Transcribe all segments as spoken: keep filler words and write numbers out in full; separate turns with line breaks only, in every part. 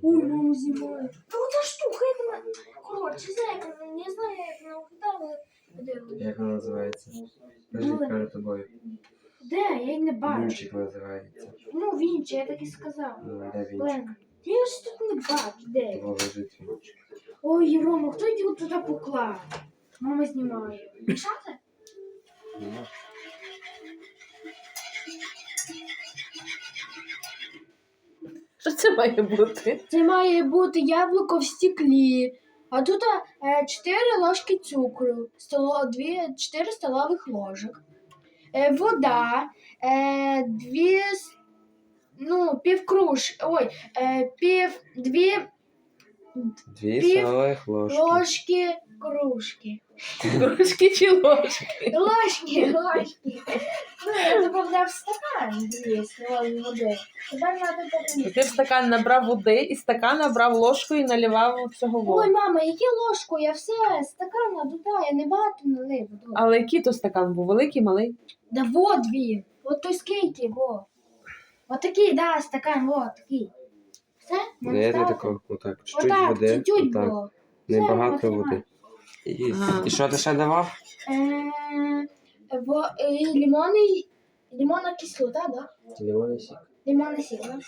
Ой, мама знімає. Та оця штука, як вона... Коротше, зайка, не знаю, як вона виглядала.
Як вона називається? Кажи, перед тобою.
Де? Я її не бачу.
Вінчик називається.
Ну, Вінчик, я так і сказав.
Ну, де Вінчик?
Блин, я ж тут не бачу, де?
Того лежить Вінчик.
Ой, Рома, хто його туди поклав? Мама знімає. Мішати?
Ну.
Що це має бути?
Це має бути яблуко в стеклі. А тут е, чотири ложки цукру, столо, дві, чотири столових ложок. Е, вода, е, дві, с- ну, пів круж, ой, е, пів, дві
Дві
Пів
столових ложки.
ложки кружки.
Кружки чи ложки?
Ложки, ложки. Ну, я добавляв стакан дві столові води. Тепер треба поміняти.
Ти в стакан набрав води, і стакан набрав ложку і наливав цього
Ой,
воду.
мама, яке ложку? Я все, стакан туди, я не багато налив. воду.
Але який то стакан був? Великий, малий?
Да вот він. От той скільки, во. От такий, да, стакан, вот такий. Все?
Ну, я не такого, отак, чуть-чуть
Отак,
води,
чуть-чуть
отак,
було.
небагато
Все,
води. І,
Ага.
і що ти ще давав?
Е, во, е, лимонний, лимонна кислота, да?
Лимонний сік.
Лимонна сік, да?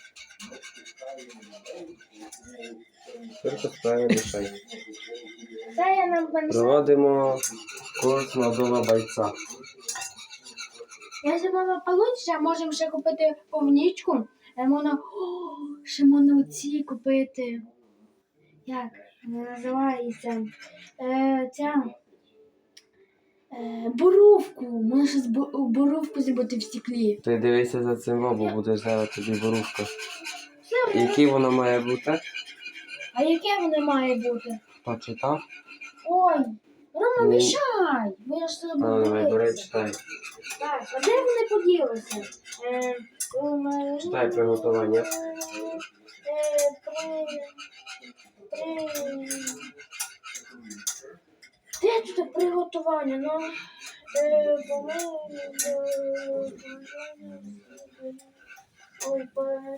Тільки справи мішай.
Це я нам винесла.
Проводимо курс молодого бойця.
Якщо мама получиться, можемо ще купити повнічку. Е, Можна, о, ще можна оці купити. Як вона називається? Е, ця е, боровку. Можна ще з бо- боровку зробити в стеклі.
Ти дивися за цим, бо будеш зараз тобі ворушка. Який воно має бути?
А яке воно має бути?
Почитав?
Ой, Рома,
Ну,
мішай! Бо я ж
А, давай, бери,
забула.
читай.
Так, а де вони поділися? Е, м,
Читай приготування.
Е, при- при- Де тут приготування? Ну, е, по-моєму, е, ой, по-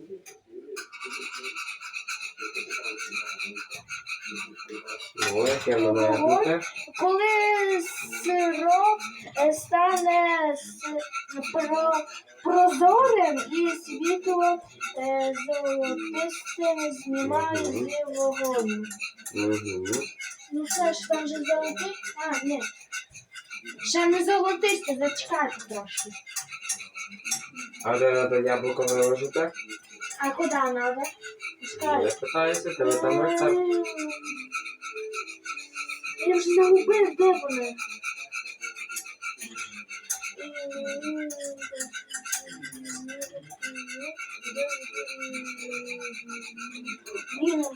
Ну, яке воно має бути?
коли сироп е, стане с- про, прозорим і світло е, золотистим знімає з вогоню.
Угу.
Ну все ж там же золотий. А, ні. Ще не золотисте, зачекайте трошки.
А де треба яблуко виложити?
А куди треба?
Я питаюся, тебе там рецепт.
Я вже загубив, де вони. Блін,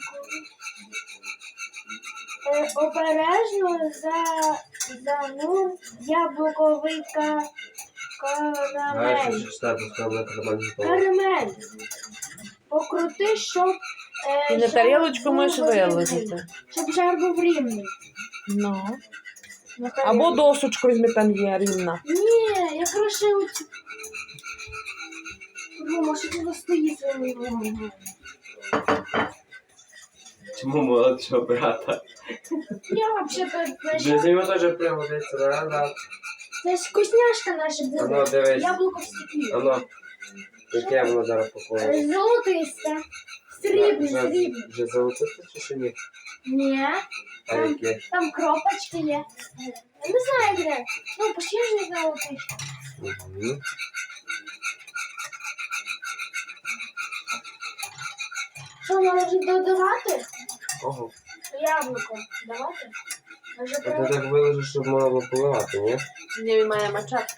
Е, обережно за, занур яблуковий ка,
Знаєш,
карамель.
що штату сказали карамель.
Карамель. Покрути, щоб... Е,
І на
жар
тарілочку
був
можеш
рівний.
виложити.
Щоб жар був рівний.
Ну.
На
Або
тарілку.
досочку візьми, там є рівна.
Ні, я краще оцю... Ну, може, ти стоїть своїм вогонь.
Чому молодшого брата?
Я взагалі
Для
знайшла.
нього теж пригодиться, правда?
Це ж вкусняшка наша
Ану,
буде.
дивись.
Яблуко в стеклі.
Ану, яке воно зараз поклало?
Е, Золотисте. Срібне,
Вже,
срібне.
вже золотисте чи ще ні?
Ні.
А
Там,
яке?
там кропочки є. Я не знаю, де. Ну, почти ж не золотий.
Угу.
Що, може додавати?
Ого.
Яблуко. Давати? Може,
А ти
треба?
так виложиш, щоб можна було поливати, ні?
Ні, він має мачати.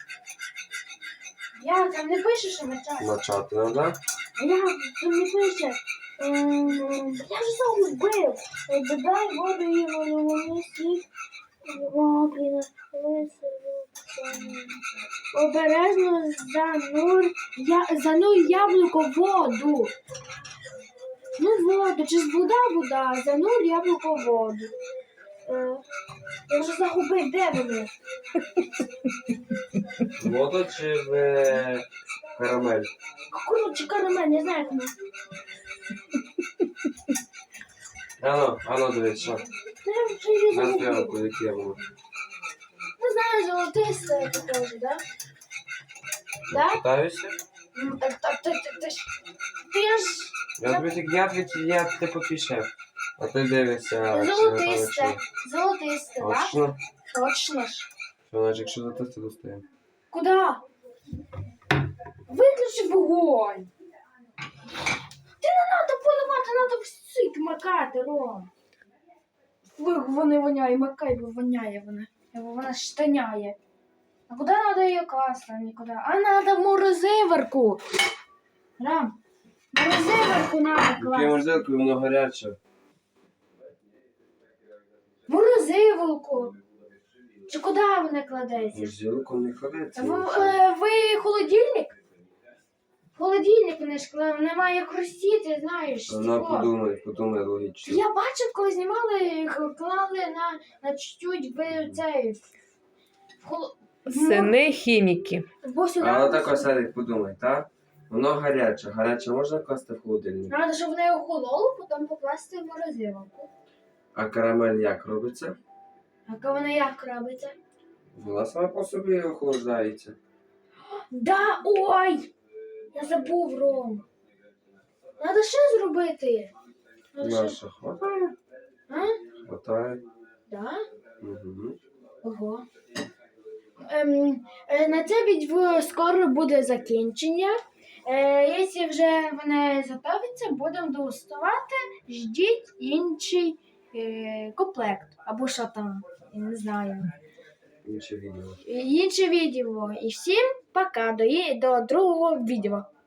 Я там не пише, що мечати.
Мочати треба.
А я там не пише. Ем, Я вже загубив. Е, Додай воду і вони сік. О, блін, обережно занур, я, занур яблуко в воду. Ну, воду, чи ж вода, вода, занур яблуко в воду. Е, я вже загубив, де вони?
Воду чи в е, карамель?
Коротше, карамель, не знаю, як воно.
Ано, ано, дивись, що?
Я вже її
На
загубила.
стрілку, яке воно.
Не знаю, золотисте похоже, да? Да?
Питаюся?
М, Та, та, та, та, та ж... Ти ж...
Я тобі так, я тобі, я типу пішов. А ти дивишся, чи
Золотисте.
напевно,
Золотисте,
чи-
да?
Точно?
Точно ж.
Що, значить, якщо золотисте, достаємо.
Куда? Виключи вогонь. Ти не треба поливати, треба всик макати, Ром. Ви- Вони воняє, макай, бо воняє вона. Вона штаняє. А куди треба її класти? Нікуди. А треба в морозиверку. Рам, в морозиверку треба
Яке
класти.
морозилку, воно гаряче.
В морозиверку. Чи куди вона кладеться?
Морозилку не кладеться.
Ви, е, ви холодильник? Холодильник вони ж коли немає хрустіти, знаєш.
Вона
стекло.
подумай, подумай логічно.
Я бачив, коли знімали, х- клали на, на чуть-чуть в цей. В холо... в мо-
Сини хіміки.
Бо сюди.
А отак ось Едик, подумай, так? Воно гаряче. Гаряче можна класти в холодильник?
Треба, щоб вони охололо, потім покласти в морозилку.
А карамель як робиться?
А вона як робиться?
Вона сама по собі охолоджається.
Да, ой! Я забув, Ром. Треба ще зробити. Надо ще...
Наша хватає?
А?
Хватає.
Да?
Угу.
Ого. Ем, е, на це відео скоро буде закінчення. Е, якщо вже вони готовиться, будемо дегустувати. Ждіть інший е, комплект. Або що там, я не знаю.
Інше відео.
Інше відео. І всім пока. До, є- до другого відео.